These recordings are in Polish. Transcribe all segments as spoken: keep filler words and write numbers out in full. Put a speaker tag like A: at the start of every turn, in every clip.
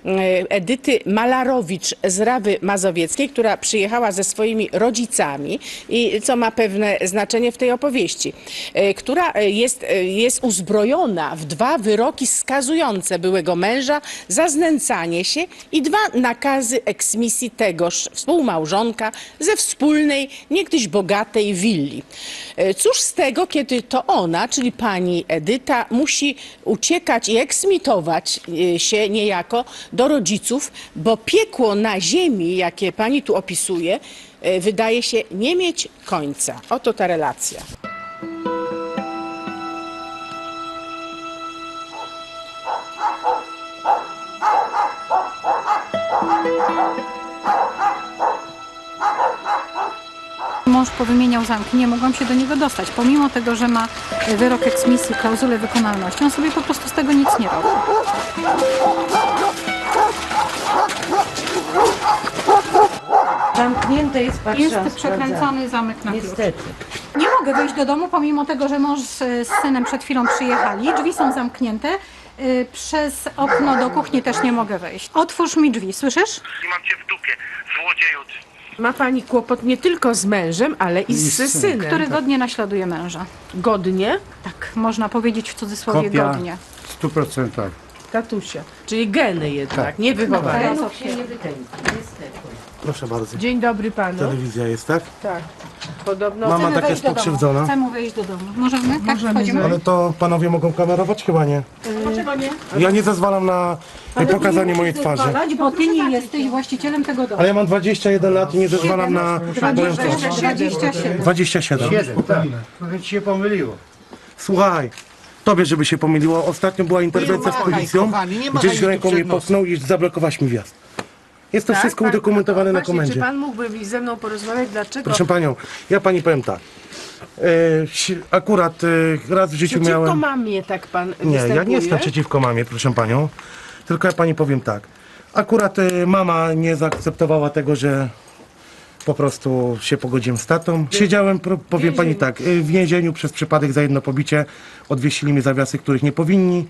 A: Edyty Malarowicz z Rawy Mazowieckiej, która przyjechała ze swoimi rodzicami i co ma pewne znaczenie w tej opowieści, która jest, jest uzbrojona w dwa wyroki skazujące byłego męża za znęcanie się i dwa nakazy eksmisji tegoż współmałżonka ze wspólnej, niegdyś bogatej willi. Cóż z tego, kiedy to ona, czyli pani Edyta, musi uciekać i eksmitować się niejako do rodziców, bo piekło na ziemi, jakie pani tu opisuje, wydaje się nie mieć końca. Oto ta relacja.
B: Mąż powymieniał zamki, nie mogłam się do niego dostać. Pomimo tego, że ma wyrok eksmisji, klauzulę wykonalności, on sobie po prostu z tego nic nie robi.
C: Zamknięte jest, patrzę.
B: Jest przekręcony zamek na klucz.
C: Niestety.
B: Nie mogę wejść do domu, pomimo tego, że mąż z, z synem przed chwilą przyjechali. Drzwi są zamknięte. Y, Przez okno do kuchni też nie mogę wejść. Otwórz mi drzwi, słyszysz?
D: I mam cię w dupie, złodzieju.
A: Ma pani kłopot nie tylko z mężem, ale i z synem.
B: Który godnie naśladuje męża.
A: Godnie?
B: Tak, można powiedzieć w cudzysłowie
E: Kopia
B: godnie.
E: w stu procentach.
A: Tatusia. Czyli geny jednak,
E: Tak.
A: nie wychowanie.
B: Tak.
C: Genów się nie wykręci, niestety.
E: Proszę bardzo.
A: Dzień dobry panu.
E: Telewizja jest, tak?
A: Tak. Podobno...
E: Mama
B: Chcemy
E: tak
B: wejść
E: jest
B: do domu.
E: pokrzywdzona.
B: Chcemy wejść do domu. Możemy? Tak, wchodzimy?
E: Ale to panowie mogą kamerować? Chyba nie.
B: Dlaczego nie?
E: Ja nie zezwalam na pokazanie mojej twarzy.
B: Zezwalać, bo ty nie jesteś właścicielem tego domu.
E: Ale ja mam dwadzieścia jeden lat i nie zezwalam na moją twarz.
B: dwadzieścia siedem.
E: dwadzieścia siedem.
F: Trochę ci się pomyliło.
E: Słuchaj, tobie żeby się pomyliło, ostatnio była interwencja z policją,
F: kochani, nie machaj
E: gdzieś
F: tu
E: ręką mnie
F: przed nosem.
E: popchnął i zablokowałaś mi wjazd. Jest to
A: Tak,
E: wszystko
A: pan-
E: udokumentowane na
A: Właśnie,
E: komendzie.
A: Czy pan mógłby ze mną porozmawiać, dlaczego...
E: Proszę panią, ja pani powiem tak. E, si- akurat e, raz w życiu
A: Przeciwko
E: miałem...
A: mamie tak pan
E: Nie,
A: występuje?
E: ja nie jestem przeciwko mamie, proszę panią. Tylko ja pani powiem tak. Akurat e, mama nie zaakceptowała tego, że po prostu się pogodziłem z tatą. Siedziałem, pro- powiem pani tak, e, w więzieniu przez przypadek za jedno pobicie. Odwiesili mi zawiasy, których nie powinni.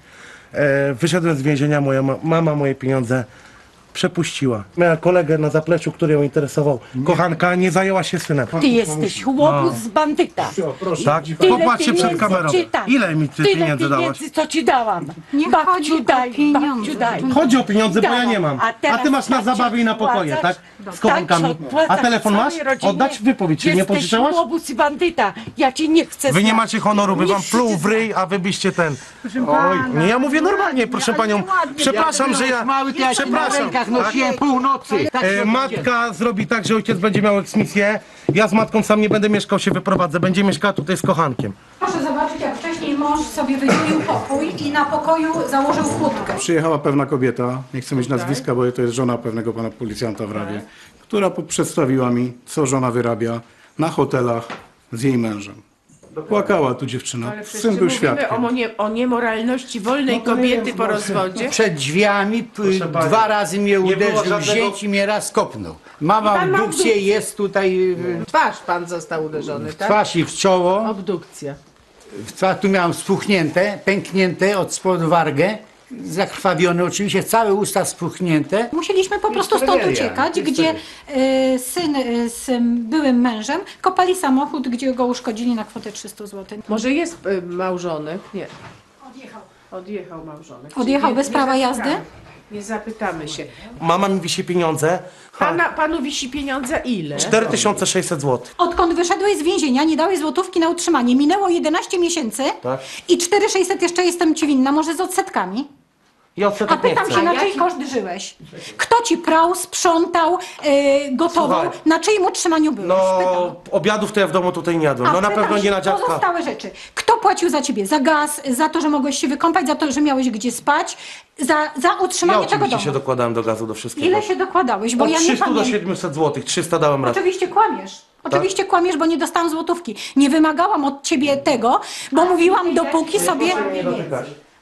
E: E, wyszedłem z więzienia, moja ma- mama moje pieniądze przepuściła. Miała kolegę na zapleczu, który ją interesował. Kochanka nie zajęła się synem.
C: Ty jesteś chłopus z bandyta.
E: Tak?
C: Tyle
E: Popatrzcie przed
C: pieniędzy,
E: kamerą.
C: czy tak?
E: Ile mi ty
C: Tyle
E: pieniędzy dałaś?
C: pieniędzy, co ci dałam.
B: Nie
C: Babciu
B: chodzi o
C: daj,
B: pieniądze.
C: babciu daj.
E: Chodzi o pieniądze, bo ja
C: Dałam.
E: nie mam.
C: A teraz
E: A ty masz na
C: tak się
E: zabawie i na pokoje, tak?
C: odpłacasz?
E: Z kochankami.
C: Tak się odpłacasz
E: A telefon masz?
C: całej rodzinie.
E: Oddać wypowiedź, czy nie
C: Jesteś
E: pożyczałaś?
C: chłopus i bandyta. Ja ci nie chcę
E: Wy nie
C: znać.
E: macie honoru, by wam
C: Nie
E: pluł
C: chcę
E: w ryj, a wy byście ten... Oj, nie, ja mówię normalnie, proszę panią. Przepraszam, że ja...
F: Mały, to ja się na
E: Przepraszam.
F: rękach nosiłem północy. Tak się
E: E, matka zrobi tak, że ojciec będzie miał eksmisję. Ja z matką sam nie będę mieszkał, się wyprowadzę. Będzie mieszkała tutaj z kochankiem.
B: Proszę zobaczyć, jak wcześniej mąż sobie wydzielił pokój i na pokoju założył chłódkę.
G: Przyjechała pewna kobieta, nie chcę mieć nazwiska, bo to jest żona pewnego pana policjanta w Rawie, która po- przedstawiła mi, co żona wyrabia na hotelach z jej mężem. Płakała tu dziewczyna,
A: Ale przecież
G: syn był
A: mówimy
G: świadkiem.
A: o, nie, o niemoralności wolnej kobiety po rozwodzie.
F: Przed drzwiami p-
E: pani,
F: dwa razy mnie
E: nie było
F: uderzył,
E: żadnego-
F: wzięć i mnie raz kopnął. Mama
A: pan ma
F: obdukcję
A: obdukcję.
F: jest tutaj y,
A: Twarz pan został uderzony,
F: w
A: tak?
F: twarz i w czoło.
A: Obdukcja.
F: W twarz tu miałem spuchnięte, pęknięte od spodu wargę. Zakrwawione oczywiście, całe usta spuchnięte.
B: Musieliśmy po prostu stąd
F: tragedia,
B: uciekać,
F: jest
B: gdzie y, syn y, z byłym mężem kopali samochód, gdzie go uszkodzili na kwotę trzysta złotych.
A: Może jest y, małżonek? Nie.
B: Odjechał.
A: Odjechał małżonek.
B: Odjechał
A: Czyli
B: bez prawa
A: zapytamy.
B: jazdy?
A: Nie zapytamy się.
E: Mama mi wisi pieniądze.
A: Pana, panu wisi pieniądze ile?
E: cztery tysiące sześćset złotych.
B: Odkąd wyszedłeś z więzienia, nie dałeś złotówki na utrzymanie. Minęło jedenaście miesięcy
E: Tak.
B: i cztery tysiące sześćset jeszcze jestem ci winna, może z odsetkami.
E: I
B: A
E: odsetek nie
B: pytam
E: chcę.
B: się, na czyj koszt żyłeś? Kto ci prał, sprzątał, yy, gotował?
E: Słuchaj.
B: Na czyim utrzymaniu byłeś? Pytam.
E: No, obiadów to ja w domu tutaj nie jadłem.
B: A
E: No na
B: pytam
E: pewno
B: się,
E: nie na dziadka.
B: Pozostałe rzeczy. Kto płacił za ciebie? Za gaz, za to, że mogłeś się wykąpać, za to, że miałeś gdzie spać, za, za
E: Ja
B: utrzymanie tego
E: oczywiście
B: domu?
E: się dokładałem do gazu, do wszystkiego.
B: Ile się dokładałeś? Bo
E: Od
B: ja nie
E: trzystu do
B: pamiętam.
E: siedmiuset złotych. trzysta dałem raz.
B: Oczywiście kłamiesz. Oczywiście kłamiesz, bo nie dostałam złotówki. Nie wymagałam od ciebie tego, bo mówiłam, dopóki sobie...
E: Nie dotykać.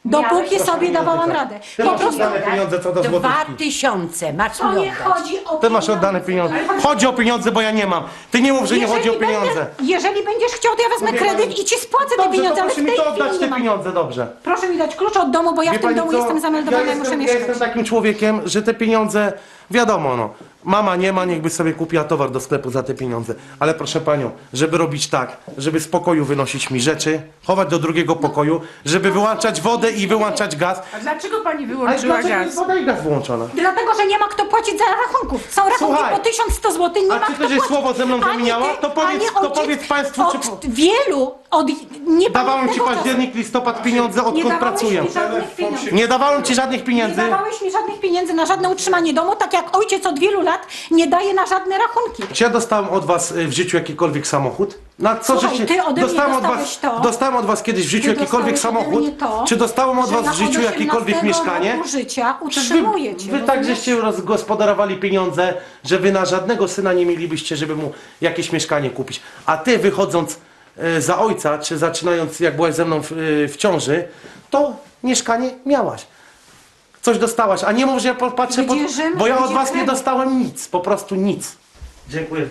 B: Dopóki sobie dawałam radę.
E: Ty
B: Po
E: masz
B: prostu
E: oddane pieniądze co do
C: Dwa
E: złotówki.
C: tysiące masz
B: to
C: mi
B: nie
C: oddać.
B: chodzi o
E: Ty masz oddane pieniądze. Chodzi o pieniądze, bo ja nie mam. Ty nie mów, że nie chodzi o
B: Jeżeli
E: pieniądze.
B: Będę, jeżeli będziesz chciał, to ja wezmę
E: Wie
B: kredyt
E: pani-
B: i ci spłacę te
E: Dobrze,
B: pieniądze,
E: to
B: ale w
E: proszę
B: tej
E: mi to oddać
B: chwili
E: te
B: nie mam.
E: pieniądze, dobrze.
B: Proszę mi dać klucz od domu, bo ja
E: Wie
B: w tym
E: pani
B: domu
E: co?
B: jestem zameldowana
E: ja
B: i muszę
E: jestem, ja
B: mieszkać.
E: jestem takim człowiekiem, że te pieniądze, wiadomo no, mama nie ma, niechby sobie kupiła towar do sklepu za te pieniądze. Ale proszę panią, żeby robić tak, żeby z pokoju wynosić mi rzeczy, chować do drugiego pokoju, żeby wyłączać wodę i wyłączać gaz.
A: A dlaczego pani
E: Ale
A: wyłączyła
E: dlaczego
A: gaz?
E: jest woda i gaz wyłączona?
B: Dlatego, że nie ma kto płacić za rachunków. Są rachunki
E: Słuchaj,
B: po tysiąc sto złotych, nie
E: a
B: ma
E: czy
B: kto
E: to, że
B: płacić.
E: słowo ze mną
B: Ani
E: zamieniała?
B: ty,
E: To powiedz-
B: ani
E: to
B: ojciec
E: powiedz państwu, czy
B: od
E: po-
B: wielu, od
E: Dawałem ci
B: niepamiętnego czasu.
E: październik, listopad pieniądze,
B: Nie
E: odkąd
B: dawałeś
E: pracuję.
B: mi żadnych pieniędzy.
E: Nie dawałem ci żadnych
B: Nie
E: pieniędzy.
B: dawałeś mi żadnych pieniędzy na żadne utrzymanie domu, tak jak ojciec od wielu lat nie daje na żadne rachunki.
E: Czy ja dostałem od was y, w życiu jakikolwiek samochód? Na co
B: Słuchaj,
E: żeście...
B: ty ode mnie
E: dostałem od was,
B: dostałeś to.
E: dostałem od was kiedyś w życiu
B: Ty
E: jakikolwiek
B: dostałeś ode
E: samochód?
B: mnie to,
E: Czy dostałem od
B: że
E: was
B: na-
E: w życiu
B: od
E: jakiekolwiek
B: osiemnastego
E: mieszkanie?
B: roku życia
E: Przecież wy,
B: utrzymujecie.
E: wy tak
B: rozumiesz?
E: żeście rozgospodarowali pieniądze, że wy na żadnego syna nie mielibyście, żeby mu jakieś mieszkanie kupić. A ty wychodząc e, za ojca, czy zaczynając jak byłaś ze mną w, e, w ciąży, to mieszkanie miałaś. Coś dostałaś, a nie mów, że ja popatrzę, pod,
B: Wydzierżymy,
E: bo ja od was nie
B: wydzierżymy.
E: dostałem nic, po prostu nic. Dziękuję.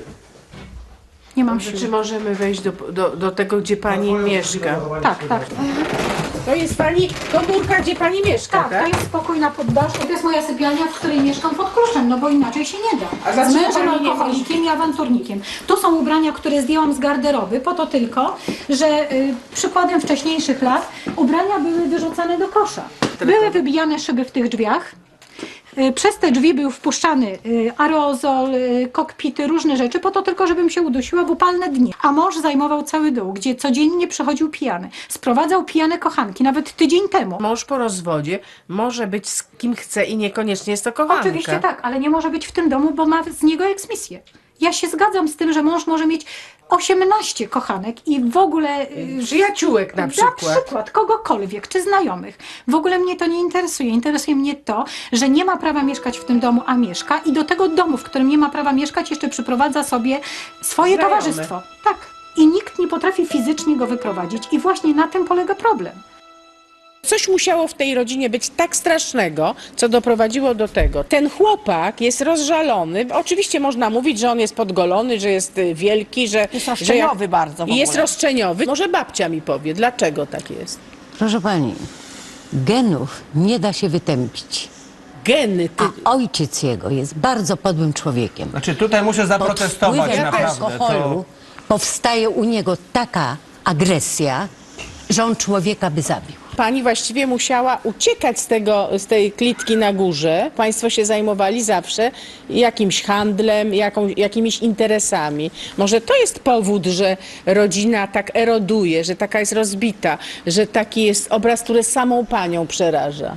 B: Nie mam
A: Czy
B: siły.
A: możemy wejść do, do, do tego, gdzie pani mieszka?
B: Tak, tak.
A: To jest pani komórka, gdzie pani mieszka,
B: Tak,
A: tak?
B: to jest spokój na poddaszu. To jest moja sypialnia, w której mieszkam pod kluczem, no bo inaczej się nie
A: A
B: da. Z
A: dlaczego
B: mężem
A: pani nie
B: alkoholikiem i awanturnikiem. Tu są ubrania, które zdjęłam z garderoby, po to tylko, że y, przykładem wcześniejszych lat ubrania były wyrzucane do kosza. Były wybijane szyby w tych drzwiach. Y, Przez te drzwi był wpuszczany y, aerozol, y, kokpity, różne rzeczy, po to tylko, żebym się udusiła w upalne dni. A mąż zajmował cały dół, gdzie codziennie przychodził pijany. Sprowadzał pijane kochanki, nawet tydzień temu.
A: Mąż po rozwodzie może być z kim chce i niekoniecznie jest to kochanka.
B: Oczywiście tak, ale nie może być w tym domu, bo ma z niego eksmisję. Ja się zgadzam z tym, że mąż może mieć osiemnaście kochanek i w ogóle... y,
A: Przyjaciółek na przykład.
B: Na przykład, kogokolwiek, czy znajomych. W ogóle mnie to nie interesuje. Interesuje mnie to, że nie ma prawa mieszkać w tym domu, a mieszka i do tego domu, w którym nie ma prawa mieszkać, jeszcze przyprowadza sobie swoje
A: Znajome.
B: towarzystwo. Tak. I nikt nie potrafi fizycznie go wyprowadzić i właśnie na tym polega problem.
A: Coś musiało w tej rodzinie być tak strasznego, co doprowadziło do tego. Ten chłopak jest rozżalony. Oczywiście można mówić, że on jest podgolony, że jest y, wielki, że...
H: Jest
A: że
H: roszczeniowy bardzo w
A: I jest
H: ogóle.
A: roszczeniowy. Może babcia mi powie, dlaczego tak jest.
C: Proszę pani, genów nie da się wytępić.
A: Geny, ty...
C: A ojciec jego jest bardzo podłym człowiekiem.
I: Znaczy tutaj muszę
C: Pod
I: zaprotestować
C: wpływem
I: naprawdę.
C: alkoholu
I: To...
C: powstaje u niego taka agresja, że on człowieka by zabił.
A: Pani właściwie musiała uciekać z, tego, z tej klitki na górze. Państwo się zajmowali zawsze jakimś handlem, jaką, jakimiś interesami. Może to jest powód, że rodzina tak eroduje, że taka jest rozbita, że taki jest obraz, który samą panią przeraża.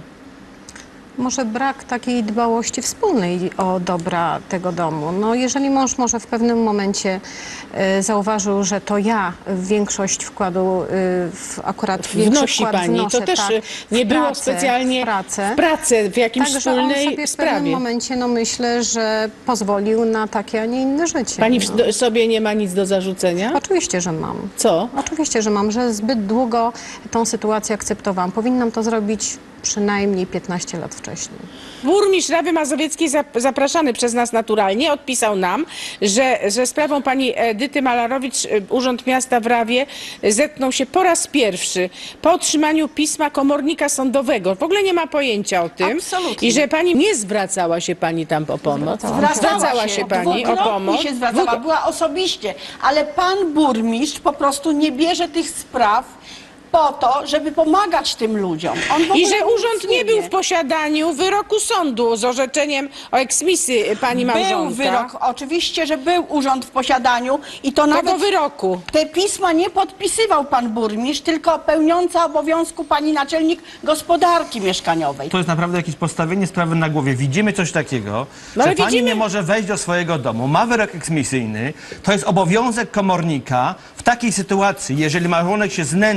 J: Może brak takiej dbałości wspólnej o dobra tego domu. No, jeżeli mąż może w pewnym momencie e, zauważył, że to ja większość wkładu, e, w, akurat większy
A: Wnosi
J: wkład
A: pani.
J: wnoszę,
A: To też
J: tak,
A: y,
J: w
A: nie było
J: pracę,
A: specjalnie
J: w pracę.
A: w pracę, w jakimś
J: Także on
A: wspólnej
J: sobie w pewnym
A: sprawie.
J: momencie, no myślę, że pozwolił na takie, a nie inne życie.
A: Pani
J: no.
A: w do, sobie nie ma nic do zarzucenia?
J: Oczywiście, że mam.
A: Co?
J: Oczywiście, że mam, że zbyt długo tą sytuację akceptowałam. Powinnam to zrobić przynajmniej piętnaście lat wcześniej.
A: Burmistrz Rawy Mazowieckiej, zap- zapraszany przez nas naturalnie, odpisał nam, że ze sprawą pani Edyty Malarowicz y, Urząd Miasta w Rawie zetknął się po raz pierwszy po otrzymaniu pisma komornika sądowego. W ogóle nie ma pojęcia o tym.
H: Absolutnie.
A: I że pani nie zwracała się pani tam o pomoc. Zwracała się pani o
H: Dwukrotnie
A: pomoc.
H: się zwracała, była osobiście, ale pan burmistrz po prostu nie bierze tych spraw po to, żeby pomagać tym ludziom. On w
A: I
H: ogóle
A: że
H: nic
A: urząd nie był
H: wie.
A: w posiadaniu wyroku sądu z orzeczeniem o eksmisji pani małżonka.
H: Był wyrok, oczywiście, że był urząd w posiadaniu i to
A: Tego
H: nawet
A: wyroku.
H: te pisma nie podpisywał pan burmistrz, tylko pełniąca obowiązku pani naczelnik gospodarki mieszkaniowej.
I: To jest naprawdę jakieś postawienie sprawy na głowie. Widzimy coś takiego,
A: No
I: że
A: ale
I: pani
A: widzimy-
I: nie może wejść do swojego domu, ma wyrok eksmisyjny, to jest obowiązek komornika w takiej sytuacji, jeżeli małżonek się znęca i jest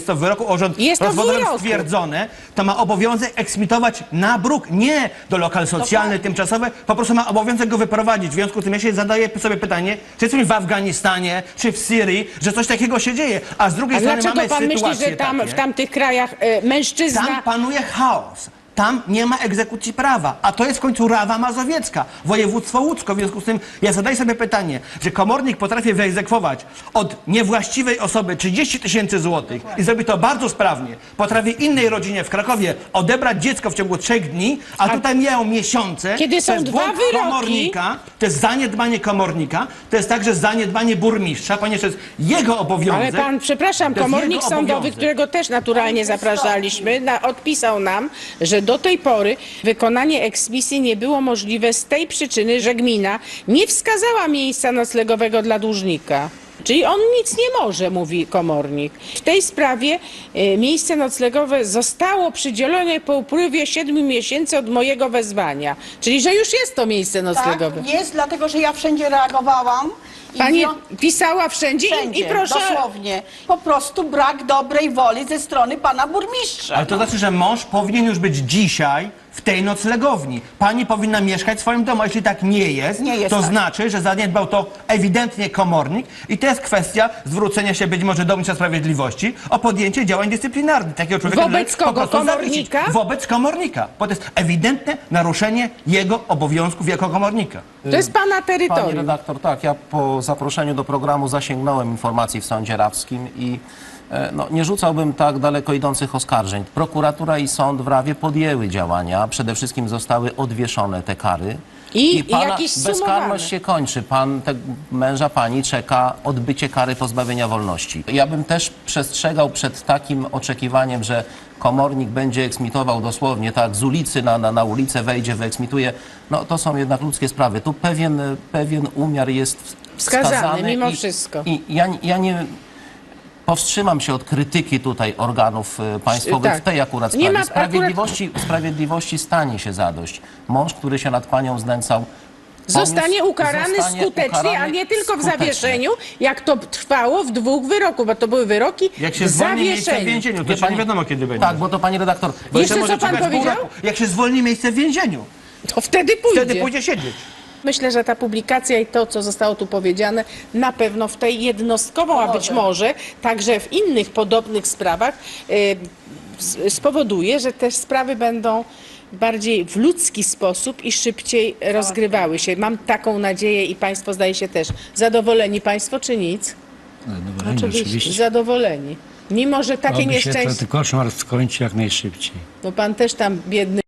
I: jest to w wyroku urząd
A: Jest to w
I: rozwodowy
A: wyroku.
I: stwierdzone, to ma obowiązek eksmitować na bruk, nie do lokal socjalny, tymczasowy, po prostu ma obowiązek go wyprowadzić. W związku z tym ja się zadaję sobie pytanie, czy jesteśmy w Afganistanie, czy w Syrii, że coś takiego się dzieje, a z drugiej
A: A
I: strony
A: dlaczego
I: mamy
A: pan myśli,
I: sytuacje
A: że tam
I: takie,
A: w tamtych krajach e, mężczyzna...
I: tam panuje chaos. Tam nie ma egzekucji prawa, a to jest w końcu Rawa Mazowiecka, województwo łódzko. W związku z tym ja zadaję sobie pytanie, że komornik potrafi wyegzekwować od niewłaściwej osoby trzydzieści tysięcy złotych i zrobi to bardzo sprawnie. Potrafi innej rodzinie w Krakowie odebrać dziecko w ciągu trzech dni, a, tutaj mijają miesiące.
A: Kiedy
I: To
A: są
I: jest
A: dwa
I: błąd
A: wyroki-
I: komornika, to jest zaniedbanie komornika, to jest także zaniedbanie burmistrza, ponieważ to jest jego obowiązek.
A: Ale pan, przepraszam,
I: To jest
A: komornik
I: jego
A: sądowy,
I: obowiązek.
A: którego też naturalnie zapraszaliśmy, na, odpisał nam, że do tej pory wykonanie eksmisji nie było możliwe z tej przyczyny, że gmina nie wskazała miejsca noclegowego dla dłużnika. Czyli on nic nie może, mówi komornik. W tej sprawie e, miejsce noclegowe zostało przydzielone po upływie siedmiu miesięcy od mojego wezwania. Czyli, że już jest to miejsce noclegowe.
H: Tak, jest, dlatego że ja wszędzie reagowałam. I
A: Pani
H: wio-
A: pisała wszędzie,
H: wszędzie,
A: i, i proszę...
H: dosłownie. Po prostu brak dobrej woli ze strony pana burmistrza.
I: Ale to znaczy, że mąż powinien już być dzisiaj w tej noclegowni. Pani powinna mieszkać w swoim domu. A jeśli tak nie jest,
H: Nie jest
I: to
H: tak.
I: znaczy, że zaniedbał to ewidentnie komornik i to jest kwestia zwrócenia się być może do Ministra Sprawiedliwości o podjęcie działań dyscyplinarnych. Takiego człowieka
A: Wobec
I: należy po
A: kogo?
I: prostu
A: Komornika?
I: zawiesić. Wobec komornika. Bo to jest ewidentne naruszenie jego obowiązków jako komornika.
A: To jest pana
K: Pani
A: terytorium.
K: redaktor, tak, ja po zaproszeniu do programu zasięgnąłem informacji w Sądzie Rawskim i e, no, nie rzucałbym tak daleko idących oskarżeń. Prokuratura i sąd w Rawie podjęły działania, przede wszystkim zostały odwieszone te kary.
A: I- i
K: pana
A: jakieś sumowane.
K: bezkarność się kończy. Pan, te, męża pani czeka odbycie kary pozbawienia wolności. Ja bym też przestrzegał przed takim oczekiwaniem, że komornik będzie eksmitował dosłownie, tak, z ulicy na, na, na ulicę wejdzie, wyeksmituje. No to są jednak ludzkie sprawy. Tu pewien, pewien umiar jest
A: Wskazany,
K: wskazany
A: mimo
K: i,
A: wszystko.
K: I ja, ja nie powstrzymam się od krytyki tutaj organów e, państwowych
A: Tak.
K: w tej akurat
A: Nie
K: sprawie.
A: ma-
K: Sprawiedliwości, sprawiedliwości stanie się zadość. Mąż, który się nad panią znęcał,
A: Zostanie
K: poniósł-
A: ukarany
K: zostanie
A: skutecznie,
K: ukarany
A: a nie tylko w
K: skutecznie.
A: zawieszeniu, jak to trwało w dwóch wyroku, bo to były wyroki
I: Jak się
A: w
I: zwolni miejsce w
A: zawieszeniu.
I: więzieniu, to
K: Wie
I: jeszcze nie
K: pani-
I: wiadomo kiedy będzie.
K: Tak, bo to pani redaktor.
I: Bo
A: Jeszcze
I: może
A: co pan
I: czekać pół
A: powiedział?
I: roku. Jak się zwolni miejsce w więzieniu,
A: To wtedy pójdzie.
I: wtedy pójdzie siedzieć.
A: Myślę, że ta publikacja i to, co zostało tu powiedziane, na pewno w tej jednostkowo, a być może także w innych podobnych sprawach y, s- spowoduje, że te sprawy będą bardziej w ludzki sposób i szybciej rozgrywały się. Mam taką nadzieję i Państwo zdaje się też. Zadowoleni Państwo czy nic?
L: Oczywiście.
A: Zadowoleni. Mimo, że takie
L: Oby się
A: nieszczęście,
L: ten koszmar skończy jak najszybciej.
A: bo Pan też tam biedny